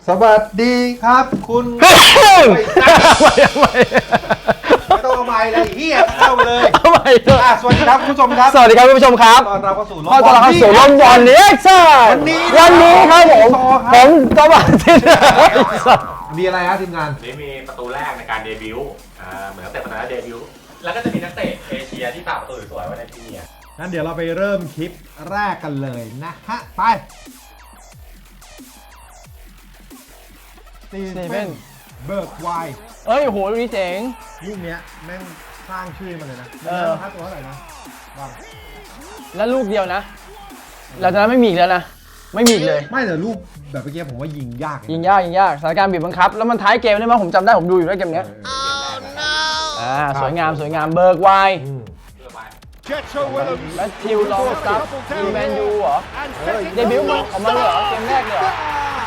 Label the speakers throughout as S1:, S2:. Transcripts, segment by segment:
S1: สวัสดีครับคุณไม่ต้องเอาไม้เลยเฮียเข้าเลยเอาไม้สวัสดีครับคุณผู้ชมครับ
S2: สวัสดีครับคุณผู้ชมครับ
S1: ตอนเราเข้าสู่
S2: ลมบอลนี้ใช่วันนี้ครับผมสวัสดี
S1: มีอะไรฮะทีมงาน
S3: นี่มีประตูแรกในการเดบิวต์เหมือนนักเตะคนนั้นเดบิวต์แล้วก็จะมีนักเตะเอเชียที่ฝากประตูสวยๆไว้ในที่นี้
S1: งั้นเดี๋ยวเราไปเริ่มคลิปแรกกันเลยนะฮะไปสตีเฟนเบิร์กไว
S2: เอ้ยโหลูกนี้เจ๋ง
S1: ลูกเนี้ยแม่งสร้างชื่อมาเลยนะค่าตัวเท่าไหร่นะว่าง
S2: แล้วลูกเดียวนะเราจะไม่มีอีกแล้วนะไม่มีอีกเลย
S1: ไม่แต่ลูกแบบเมื่อกี้ผมว่ายิงยาก
S2: สถานการณ์บีบบังคับแล้วมันท้ายเกมได้ไหมผมจำได้ผมดูอยู่ด้วยเกมนี้สวยงามเบิร์กไวแมทธิวลองซับแมนยูเหรอเดบิวต์ออกมาเลยเหรอเกมแรกเลยเหรอ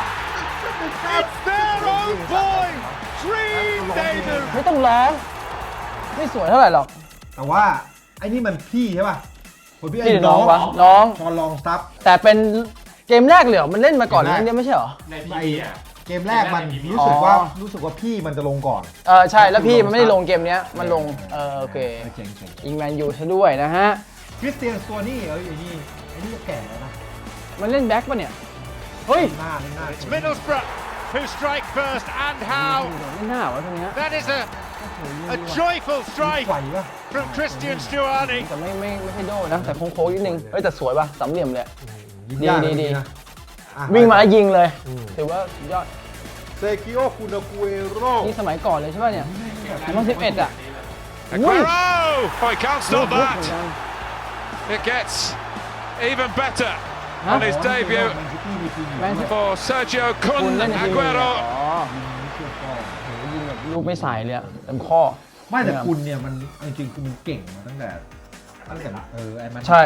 S2: ไม่ต้องร้องไม่สวยเท่าไหร่หรอก
S1: แต่ว่าไอ้นี่มันพี่ใช่ป่ะ
S2: พี่น้องวะน้อง
S1: ชอนลองซับ
S2: แต่เป็นเกมแรกเลยเหรอมันเล่นมาก่อนนี่ไม่ใช่เหรอ
S3: ในพี่
S1: เกมแรกมันรู้สึกว่าพี่มันจะลงก่อน
S2: ใช่แล้วพี่มันไม่ได้ลงเกมนี้มันลงโอเคอิงแมนยูซะด้วยนะฮะ
S1: คริสเตียนตัวนี้ไอ้นี่แก่แล้วนะ
S2: มันเล่นแบ็คป่ะเนี่ยเฮ้ย
S1: หน้า
S4: Who strike first and how?
S2: ไม่น่าวะตรงนี้
S4: That is a joyful strike from Christian Stuani.
S2: แต่ไม่ใช่โดนะแต่โค้งนิดนึงเฮ้ยแต่สวยป่ะสามเหลี่ยมเลยดีวิ่งมายิงเลยถือว่ายอด
S1: เซกิโอคุนากุเอโร่
S2: นี่สมัยก่อนเลยใช่ป่ะเนี่ย2011อ่ะ
S4: Aguero! Oh, he can't stop that. It gets even better on his debut for Sergio Kun Aguero.
S2: ลูกไม่ใส่เลยเต็มข้อ
S1: ไม่แต่คุณเนี่ยมันจริงๆคือมันเก่งมาตั้งแต่ไอ้มัน
S2: ใช่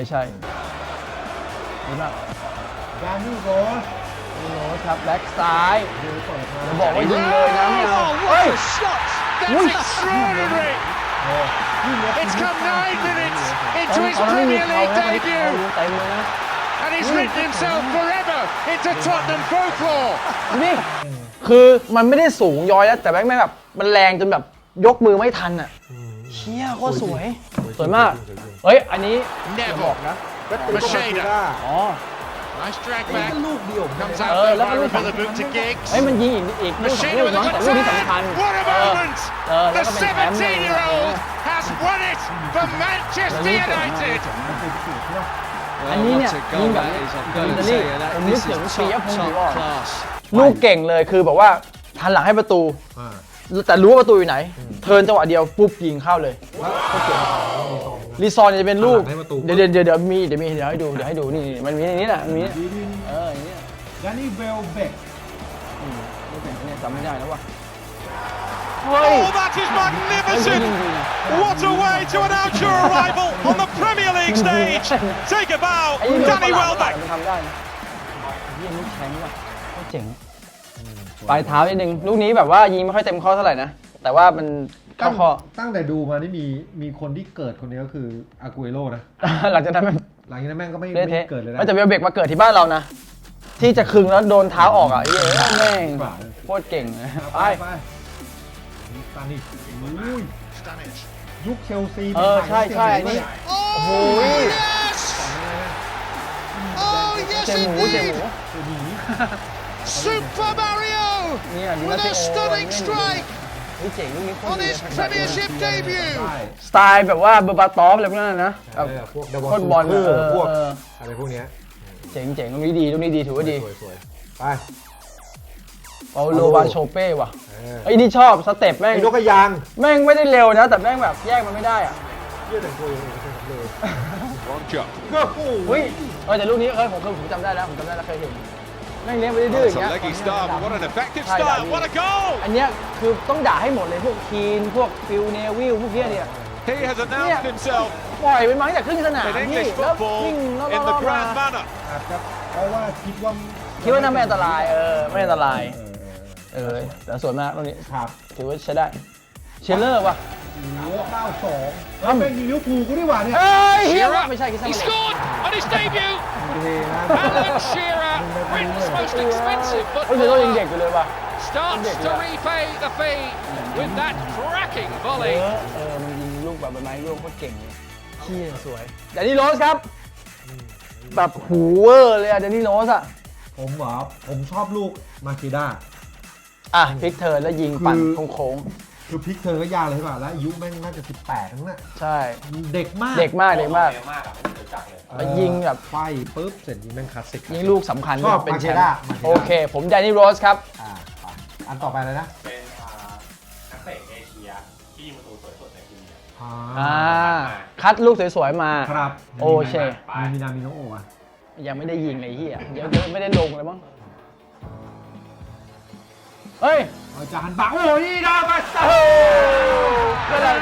S2: ดีมาก
S1: ยานี่โร
S2: สครับแบ็กซ้ายจะบอกว่ายิงเลยนะไม่เอาเฮ้ย
S4: That's extraordinary. It's come 9 minutes into his Premier League debut. And he's written himself forever into Tottenham folklore.
S2: นี่คือมันไม่ได้สูงย้อยแล้วแต่แม่งแบบมันแรงจนแบบยกมือไม่ทันอ่ะเชี่ยโคตรสวยมากเฮ้ยอันนี้บอกนะ
S4: Macheda. Nice drag back. Comes out for the boot to Giggs.
S2: เฮ้ยมันยิงอีกลูกน้องแต่ลูกที่สำคัญ
S4: What a moment! The 17-year-old has won it for Manchester United.
S2: อันนี้เนี่ยยิงแบบอิตาลีผมนึกถึงปียพงศ์ดีว่าลูกเก่งเลยคือแบบว่าทันหลังให้ประตูแต่รู้ว่าประตูอยู่ไหนเทิร์นจังหวะเดียวปุ๊บยิงเข้าเลยรีซอนจะเป็นลูกเดี๋ยวมีให้ดูนี่มันมีในนี้แหละมันมีอย่างนี้
S1: ยานี่เวลเบก
S2: จำไม่ได้แล้วว่ะ
S4: Oh, that is magnificent! What a way to announce your arrival on the Premier League stage! Take a bow, Danny Welbeck!
S2: ทำได้ยี่นี่แข็งว่ะเจ๋งปลายเท้านิดนึงลูกนี้แบบว่ายิงไม่ค่อยเต็มข้อเท่าไหร่นะแต่ว่ามันเข้าข้อ
S1: ตั้งแต่ดูมานี่มีคนที่เกิดคนนี้ก็คืออากูเอโร่นะ
S2: หลังจากนั้น
S1: แม่งก็ไม่เกิดเลยนะ
S2: แต่เวลเบกมาเกิดที่บ้านเรานะที่จะคึงแล้วโดนเท้าออกอ่ะแม่งโคตรเก่งไป
S1: ตานี่ยุคเชลซี
S2: ใช่อันนี้โอ้โหเจหมู
S4: Super Mario with a stunning strike on his Premiership debut
S2: สไตล์แบบว่าเบอร์บาตอฟอะไรพวกนั้นนะ
S1: พวกฟุตบอลพวกอะไรพวกนี้
S2: เจ๋งตรงนี้ดีถือว่าดี
S1: ไป
S2: เปาโลวาโชเป้ว่ะไอ้นี่ชอบสเต็ปแม่ง
S1: นกกระยาง
S2: แม่งไม่ได้เร็วนะแต่แม่งแบบแยกมันไม่ได้อ่ะ
S1: แต่งตัวยังไงก็ใช่ครับเลย
S2: แต่ลูกนี้ผมจำได้แล้วเคยเห็นแม่งเลี้ยงไปดื้อๆอย่างเงี้ยอันเนี้ยคือต้องด่าให้หมดเลยพวกคีนพวกฟิลเนวิลพวกเนี้ยเนี่ยปล่อยไปมั้งจากครึ่งสนามพี่แล้ววิ่งรอบมา
S1: เพราะว่าคิด
S2: ว่าน่าไม่อันตรายไม่อันตรายแต่ส่วนมากตรงนี้ถือว่าใช้ได้เชลเลอร์ว่ะ
S1: 92แล้วเป็นลิเวอร์พูลกูดีกว่าเนี่ย
S2: เฮียไม่ใช่คิดซะ
S4: He scored on his debut Alan Shearer Britain's most expensive
S2: เขาเจอตัวยัง
S4: footballer
S2: เด็กอยู่เลยป่ะ
S4: starts to repay the fee with that cracking volley.
S2: มันยิงลูกแบบใบไม้ร่วงโคตรเก่งเลยเชี่ยสวยแดนนี่โรสครับแบบหูเวอร์เลยอะแดนนี่โรสอะ
S1: ผมเหรอผมชอบลูกมาคิด้า
S2: อ่ะพลิกเทิร์นแล้วยิงปั่นโค้ง
S1: คือพลิกเธอก็ยากเลยใช่ป่ะแล้วอายุแม่งน่าจะ18ทั้งนั้น
S2: ๆใช่
S1: เด็กมาก
S2: เด็กมากเด็กมาก
S3: เร็วมากอะไม่รู้จักเลย
S2: แล้วยิงแบบ
S1: ไฟปุ๊บเสร็จยิงแม่งคลาสสิก
S2: ยิงลูกสำคัญ
S1: ชอบ
S2: เป็นแชม
S1: มา
S2: ป์
S1: เชด้า
S2: โอเค ผมแดนนี่โรสครับ
S1: ไปอันต่อไปเลยนะ
S3: เป็นนักเตะเอเชียที่ยิงประตูสวยสุดในพรีเมียร์
S2: อ่าคัดลูกสวยๆมา
S1: ครับ
S2: โอเค
S1: มีนามิโนะโอะ
S2: ยังไม่ได้ยิงไอ้เหี้ยเดี๋ยวไม่ได้ลงเลยมั้งเฮ้ย
S1: อาจารย์บักโอ้ยดาบัส
S2: โอ้ก็ได้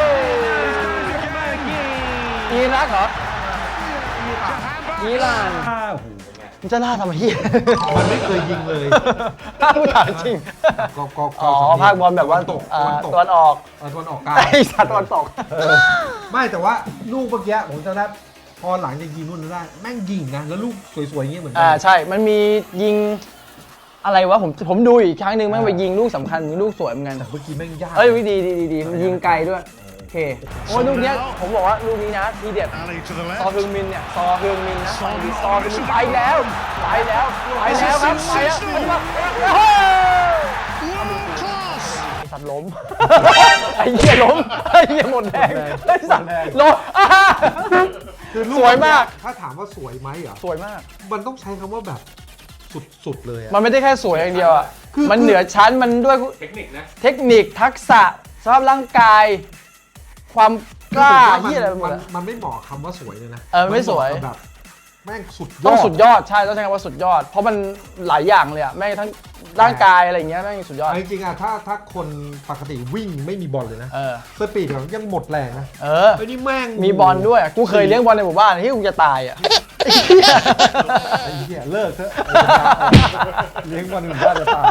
S2: อิรักเหรออิหร่าน
S1: โอ้โห
S2: มันจะล่าทำไมเหี้ย
S1: มันไม่เคยยิงเลย
S2: ถ้าผู้ถามจริง
S1: ก็
S2: อ๋อภาคบอลแบบว่า
S1: ตก
S2: ตะวันออก
S1: ตะวันออกกลาง
S2: ไอ้สัตว์ตะวันตก
S1: ไม่แต่ว่าลูกเมื่อกี้ผมจะได้พอหลังจากยิงนู่นนั่นได้แม่งยิงนะแล้วลูกสวยๆอย่างเงี้ยเหมือนกั
S2: ใช่ มันมียิงอะไรวะผมดูอีกครั้งหนึ่งแม่งไปยิงลูกสำคัญมีลูกสวยเหมือนกัน
S1: แต่เมื่อกี้แม่งยาก
S2: เอ้ยดีมันยิงไกลด้วยโอเคโอ้ยลูกเนี้ยผมบอกว่าลูกนี้นะทีเด็ด
S4: Ali to the
S2: ซอ
S4: left.
S2: ฮึงมินเนี่ยซอฮึงมินนะซอฮึงมินไปแล้วครับไปแล้วโอ้โห
S4: World class.
S2: ไอ้สัตว์ล้ม ไอ้เหี้ยล้มไอ้เหี้ยหมดแรงไอ้สัตว์ล้ม
S1: คือลู
S2: สวยมาก
S1: ถ้าถามว่าสวยไหมเหรอ
S2: สวยมาก
S1: มันต้องใช้คำว่าแบบสุดๆเลยอะ
S2: มันไม่ได้แค่สวยอย่างเดียวอ่ะ
S1: คือ
S2: มันเหนือชั้นมันด้วย
S3: เทคนิคนะ
S2: เทคนิคทักษะสภาพร่างกาย ความกล้า
S1: คือผมว่
S2: ที่อะไรไปหมดอะ
S1: มันไม่เหมาะคำว่าสวยเลยนะ
S2: ไม่สวย
S1: นเหาะกับแบบแม่งสุดยอด
S2: ต้องสุดยอดใช่ต้องใช้คำว่าสุดยอด เพราะมันหลายอย่างเลยอ่ะแม่งทั้งร่างกายอะไรอย่างเงี้ยแม่งสุดยอด
S1: จริงๆอะถ้าคนปกติวิ่งไม่มีบอลเลยนะ สปีดของยังหมดแรงนะ ไอ้นี่แม่ง
S2: มีบอลด้วยอะกูเคยเลี้ยงบอลในหมู่บ้านที่กูจะตายอ่ะ
S1: ไอ้เหี้ยเลิกเถอะเลี้ยงบอลหนึ่งบ้านจะตาย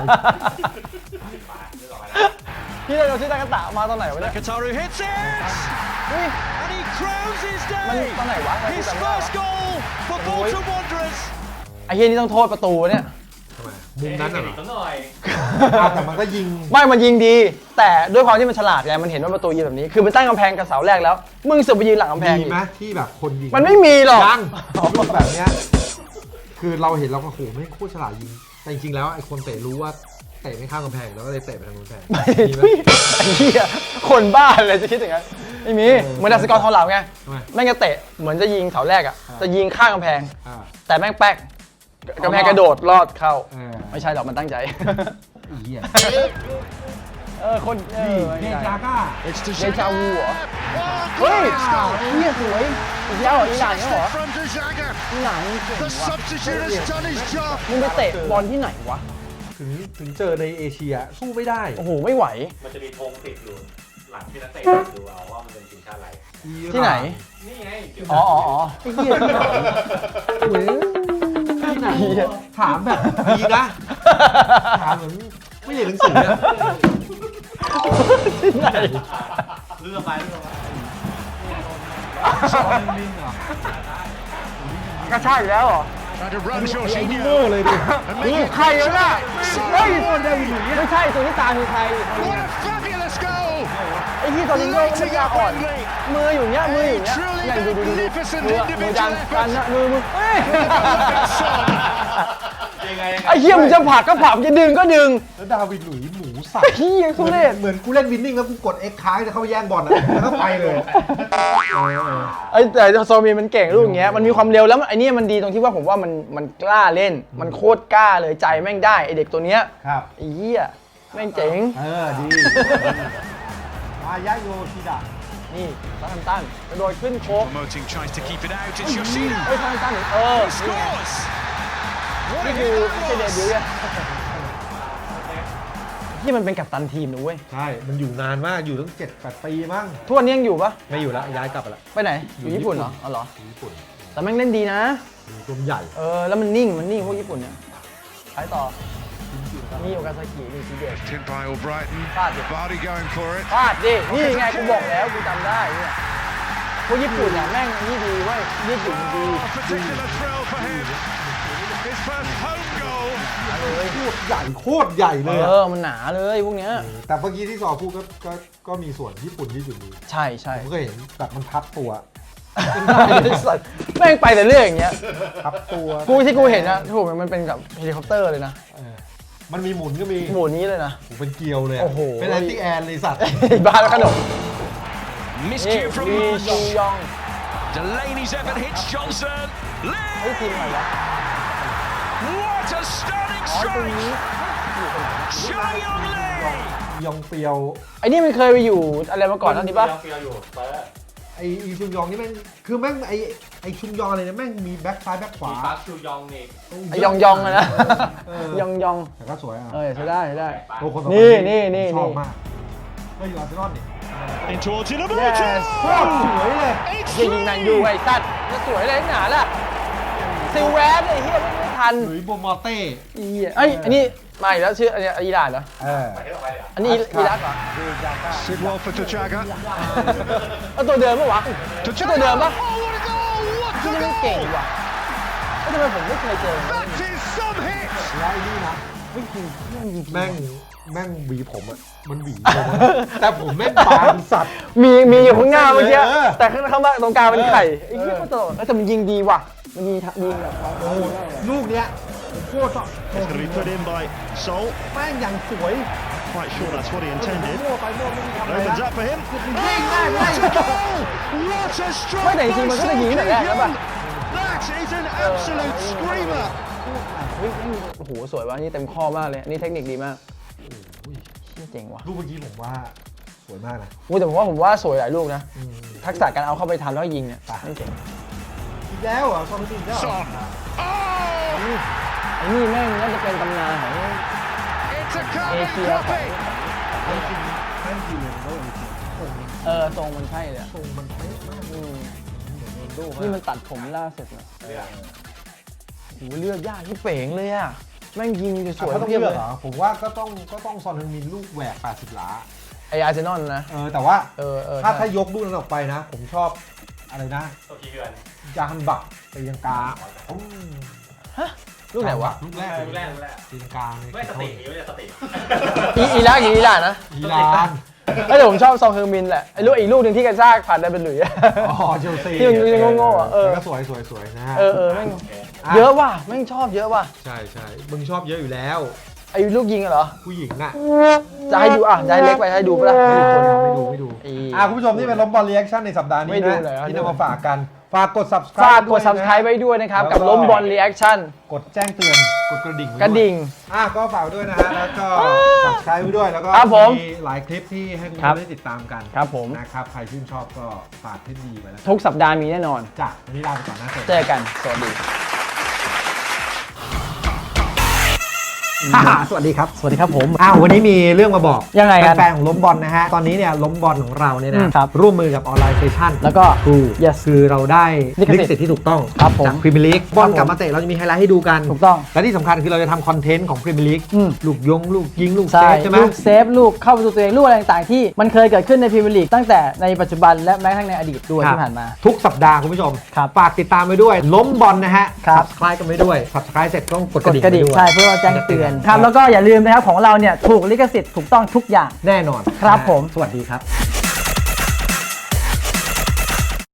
S2: พี่เราชื่อตากาตะมาตอนไหนวะเนี่ย
S4: Kataru hits it.
S2: เฮ้ย
S4: And he crowns his
S2: มัน
S4: day.
S2: ตอนไหนวะ
S4: His first goal for Bolton Wanderers.
S2: ไอ้เฮียนี่ต้องโทษประตูเนี่ย
S1: ทำไมมุมนั้น
S3: เท
S1: อะ
S3: คนิคหน่อย
S1: แต่มันก็ยิง
S2: ไม่มันยิงดี แต่ด้วยความที่มันฉลาดไงมันเห็นว่าประตูยิงแบบนี้ คือมันตั้งกำแพงกับเสาแรกแล้ว มึงเสือกไปยืนหลังกำแพง
S1: มี
S2: อีก
S1: ไหมที่แบบคนยิง
S2: มันไม่มีหรอก
S1: ยังลูกแบบเนี้ยคือเราเห็นเราก็โหไม่งโคตรฉลาดยิง แต่จริงๆแล้วไอ้คนเตะรู้ว่าเตะไม่ข้ามกำแพงแล้วก็เลยเตะไปทางกำแพง
S2: ไม่
S1: มีไหม
S2: ไอ้เหี้ยคนบ้าเลยจะคิดอย่างนั้นไม่มีเหมือนดัสกอร์ทองเหลาไง
S1: ทำไม
S2: แม่งจะเตะเหมือนจะยิงเสาแรกอ่ะจะยิงข้างกำแพง
S1: อ่า
S2: แต่แม่งแป๊กกำแพงกระโดดลอดเข้า
S1: เออ
S2: ไม่ใช่หรอกมันตั้งใจ
S1: อีเหี้ย
S2: คน
S1: นี่เดจาก้า
S4: It's to
S2: เดจาวูเหรอ
S4: Oh,
S2: เฮ้ย
S4: glorious goal.
S2: เฮียสวยอีกแล้วเหรออีหลานเนี่ยเหรอ
S4: From Dejaga.
S2: อีหลานนี่เก่ง
S4: The
S2: ว่ะ
S4: substitute has done his job.
S2: มึงไปเตะบอลที่ไหนวะ
S1: ถึงเจอในเอเชียสู้ไม่ได้
S2: โอ้โหไม่ไหว
S3: มันจะมีธงติดอยู่หลังที่นักเตะดูเอาว่ามันเป็นทีมชาติอะไร
S2: ที่ไหน
S3: นี่ไงเดี๋ยว
S2: อ๋อไอ้เหี้ยที่ไหน
S1: เว้ยที่ไหนถามแบบดีนะ ถามเหมือนไม่เรียนหนังสืออะ
S2: ที่ไหน
S3: เลือกไป
S1: ลิงเหรอก
S2: ระชากอีกแล้วเหรอ
S4: Trying to run
S1: ไอ้
S4: Jorginho
S1: โง่เลยดิ
S4: and
S2: นี่
S4: make it
S2: ใครวะน่ะเฮ้ย
S4: What
S2: ไม่ใช่ตัวที่ตามคือใคร
S4: a fabulous goal.
S2: ไอ้ที่ตอนนี้ก็ไม่ยาอ่อน มืออยู่เนี้ยมืออยู่เนี้ย
S4: Truly
S2: เนี่ยดูมือ
S4: magnificent
S2: มือ
S4: individual
S2: ดัน
S4: effort.
S2: กันนะมือเฮ้ย
S3: ยังไง
S2: ไอ้เหี้ยมึงจะผลักก็ผลักมึงจะดึงก็ดึง
S1: แล้วดาวิดหลุยส์หมูสับ
S2: ไอ้เหี้ยทุเรศ
S1: เหมือนกูเล่นวินนิ่งแล้วกูกด X ค้างจะเข้าไปแย่งบอลอะแล้วก็ไปเลย
S2: ไอ้แต่โซมีมันเก่งลูกอย่างเงี้ยมันมีความเร็วแล้วไอ้นี่มันดีตรงที่ว่าผมว่ามันกล้าเล่น มันโคตรกล้าเลยใจแม่งได้ไอเด็กตัวเนี้ย
S1: ครับ
S2: ไอ้เหี้ยแม่งเจ๋ง
S1: ดีมายะโยชิดะ
S2: นี่ซาทันตันกระโดดขึ้นโค้ง
S4: Promoting tries to keep it out. It's Yoshida.
S2: เฮ้ยซาทันตันนี่นี่ไง
S4: Scores.
S2: นี่คือไม่ใช่เดบิวต์ไงที่มันเป็นกัปตันทีมนะเว้ย
S1: ใช่ มันอยู่นานมาก อยู่ตั้ง7-8 ปีมั้ง
S2: ทุกวันนี้ยังอยู่ปะ
S1: ไม่อยู่แล้ว ย้ายกลับไปแล้ว
S2: ไปไหน อยู่ญี่ปุ่นเหรอ อ๋อเหรอ
S1: ญี่ปุ่น
S2: แต่แม่งเล่นดีนะ
S1: อยู่ตัวใหญ่
S2: แล้วมันนิ่งพวกญี่ปุ่นเนี่ยไปต่อ นี่โอกาซากินี่ทีเด็ด
S4: Tipped by Albrighton.
S2: Bad.
S4: Vardy going for it.
S2: พลาดดิ นี่ไงกูบอกแล้วกูจำได้เนี่ยพวกญี่ปุ่นเนี่ยแม่งนี่ดีเว้ยญี่ปุ่นดี
S4: A particular thrill for him. His first home
S2: เลย
S1: โคตรใหญ่โคตรใหญ่เลยอะ
S2: มันหนาเลยพวกเนี้ย
S1: แต่เมื่อกี้ที่ซอพูดก็มีส่วนญี่ปุ่นที่อยู่ดี
S2: ใช่ใช่
S1: ผมก็เห็นแบบมันพับตัว
S2: แม่งไปแต่เรื่องอย่างเงี้ย
S1: พับตัว
S2: ที่กูเห็นนะถูกมันเป็นกับเฮลิคอปเตอร์เลยนะ
S1: มันมีหมุนก็มี
S2: หมูนี้เลยนะ
S1: ผมเป็นเกลียวเลยะ
S2: โอ้โห
S1: เป็นแอนตี้แอนเลยสัตว์
S2: บ้าแล้วขนม
S4: Miscue from
S2: ลีชูยอง
S4: Delaney's effort hits Johnson.
S2: เฮ้ยทีมอะไรวะ
S4: What a stunning
S2: อ๋อตรง
S4: strike!
S2: นี้
S4: Chai Young Lee!
S1: ยองเปียว
S2: ไอ้นี่มันเคยไปอยู่อะไรมาก่อนนั่นนี่ปะ
S3: เฟียวอยู่เปอร์
S1: ไอชุมยองนี่แม่งคือแม่งไอชุมยองอะไรเนี่ยแม่งมีแบ็คซ้ายแบ็คขวา
S3: มีปาร์คชูยองนี่
S2: ไอ้ยองยองอะนะ
S1: เออย
S2: องยอง
S1: แต่ก็สวยอ่ะ
S2: ใช้ได้ใช้ได้
S1: โอ้คนต่อไป
S2: นี่
S1: ชอบมากก็อยู่อาร์เซนอลนี่
S4: In towards Inamuto!
S2: Yes
S1: โคตรสวยเลย
S4: It's
S2: ยิงแมนยู
S4: through!
S2: ไอ้ตัดจะสวยเลยหนาล่ะซิลแวสไอ้เหี้ยไม่ทัน
S1: หลุยส์โบมอเต้
S2: ไอ้อันนี้มาอีกแล้วชื่ออันนี้อิหร่านเหรอ
S3: ไปที่ต่อไปเลยอ่ะ
S2: อันนี้อิรักเหรอ
S4: Sidwell for Tachaga.
S2: เอาตัวเดิมปะวะตัวเดิมปะ
S4: Oh, what a goal! What
S2: ที่
S4: a
S2: นี่มัน
S4: goal!
S2: เก่งว่ะทำไมผมไม่เคยเจอ
S4: That is some hit!
S1: แล้วไอ้นี่นะแม่งหวีผมอะมันหวีผมอะแต่ผมแม่งบางสัตว์
S2: มีอยู่ข้างหน้าเมื่อกี้
S1: เออ
S2: แต่ข้างมาตรงกลางเป็นไข่ไอ้เหี้ยมันตลกแล้วแต่มันยิงดีว่ะมันยิงแบบ
S1: ลูกเนี้ยโคตร
S4: It's going to be put in by Sol.
S1: แม่งอย่างสวย
S4: Quite sure that's what he intended.
S1: มั่วไปมั่วไม่มีทำอะไร
S4: Opens
S1: นะ
S4: up for him.
S1: ยิงได้ไม่ได้
S4: What a strike!
S2: ไม่แต่จริงๆมันก็จะยิงแต่แรกแล้วป่ะ
S4: That is an absolute screamer!
S2: เฮ้ยโอ้โหสวยว่ะนี่เต็มข้อมากเลยอันนี่เทคนิคดีมากเชี่ยเจ๋งว่ะ
S1: ลูกเมื่อกี้ผมว่าสวยมากนะ
S2: แต่ผมว่าสวยหลายลูกนะทักษะการเอาเข้าไปทันแล้วยิงเนี่ยไม่เจ๋ง
S1: อีกแล้วเหรอซอนตินแล้วเหรอ
S4: Son. Oh!
S2: ไอ้นี่แม่งน่าจะเป็นตำนานของ
S4: It's a carbon
S2: Asia.
S4: copy!
S1: แม่งจริงแม่งจริงเลยแล้วจริง
S2: ทรงมันใช่เลยอะ
S1: ทรงมันเป๊ะมาก
S2: อืม
S1: โดน
S2: นี่มันตัดผมล่าสุดนะโอ้โหเลือกยากที่เป๋งเลยอะแม่งยิงสวย
S1: เขาต้อง
S2: เพียบ
S1: เลื
S2: เล
S1: อก
S2: ย
S1: เหรอผมว่าก็ต้องซอนฮึงมินลูกแหวก80หลา
S2: ไออาร์เซนอลนะ
S1: แต่ว่า ถ้า
S2: ใช่
S1: ยกลูกนั้นออกไปนะ ผมชอบอะไรนะ
S3: ตัวกี่เดือน
S1: ยาฮันบักตีลังกา
S2: ลูกไหนวะ
S1: ลูกแรก
S3: ลูกแรก
S1: ตีลังกา
S3: ไม่สตินี้ไม่ใช่สติ
S2: อิรักอิหร่านนะ
S1: อีราน
S2: แต่ผมชอบซองเฮอร์มินแหละไอ้ลูกอีกลูกหนึ่งที่กระชากผ่านได้เป็นหลุยส์
S1: อ๋อเชลซี
S2: ที่มันยังโง่ๆอ่ะ
S1: แต่ก็สวยนะฮะ
S2: แม่งเยอะว่ะแม่งชอบเยอะว่ะ
S1: ใช่มึงชอบเยอะอยู่แล้ว
S2: ไอ้ลูกยิงอะเหรอ
S1: ผู้หญิงอ่ะ
S2: จะให้ดูอ่ะจะให้เล็กไปให้ดูปะล่ะ
S1: ไม่ดูคุณผู้ชมนี่เป็นล้มบอลรีแอคชั่นในสัปดาห์นี้
S2: ไม่ดู
S1: นะ
S2: เลยครับ
S1: ที่นำมาฝากกันฝากกด subscribe
S2: ฝากกด
S1: ด้วยนะ
S2: subscribe ไว้ด้วยนะครับ
S1: แล้วก็
S2: กับล้มบอลรีแอคชั่น
S1: กดแจ้งเตือนกดกระดิ่งไว้
S2: กระดิ่ง
S1: ก็ฝากด้วยนะฮะแล้วก็ subscribe ไว้ด้วยแล้วก็
S2: ครับผม
S1: มีหลายคลิปที่ให้คุณ
S2: ครับ
S1: ได้ติดตามกัน
S2: ครับผม
S1: นะครับใครชื่นชอบก็ฝากเทปดีไปแล้ว
S2: ทุกสัปดาห์มีแน่นอน
S1: จ้ะวันนี้ลาไปก่อนนะ
S2: เจอกัน สวัสดี
S1: สวัสดีครับ
S2: สวัสดีครับผม
S1: วันนี้มีเรื่องมาบอก
S2: ยังไงครับ
S1: แฟนๆของล้มบอลนะฮะตอนนี้เนี่ยล้มบอลของเราเนี่ย
S2: อื
S1: นะ
S2: มครับ
S1: ร่วมมือกับออนไลน์เซชั่น
S2: แล้วก็
S1: ครู
S2: Yes
S1: คือเราได้
S2: ลิขสิทธิ์
S1: ที่ถูกต้อง
S2: ครับผม
S1: จากพรีเมียร์ลีกบอลกลับมาเตะเราจะมีไฮไลท์ให้ดูกัน
S2: ถูกต้อง
S1: และที่สำคัญคือเราจะทำคอนเทนต์ของพรีเมียร์ลีก
S2: อืม
S1: ลูกลูกยิงลูกเซ
S2: ใช่
S1: ฟใช่ไหม
S2: ลูกเซฟลูกเข้าประตูตัวเองลูกอะไรต่างๆที่มันเคยเกิดขึ้นในพรีเมียร์ลีกตั้งแต่ในปัจจุบันและแม้กระทั่งในอดีตด้วย
S1: ครับ
S2: ที่ผ่านมา
S1: ทุกสัปดาห์คุณผู้ชม
S2: ครับ
S1: ฝากติดตามไปด้วยล้มบอลนะฮะ
S2: ครับ
S1: subscribe กันไปด้วย subscribe เสร็จต้องกด
S2: กดกระดิ่ง
S1: ไว้ด้วย
S2: ใช่เพื่อแจ้งเตือนครับแล้วก็อย่าลืมนะครับของเราเนี่ยถูกลิขสิทธิ์ถูกต้องทุกอย่าง
S1: แน่นอน
S2: ครับผม
S1: สวัสดีครับ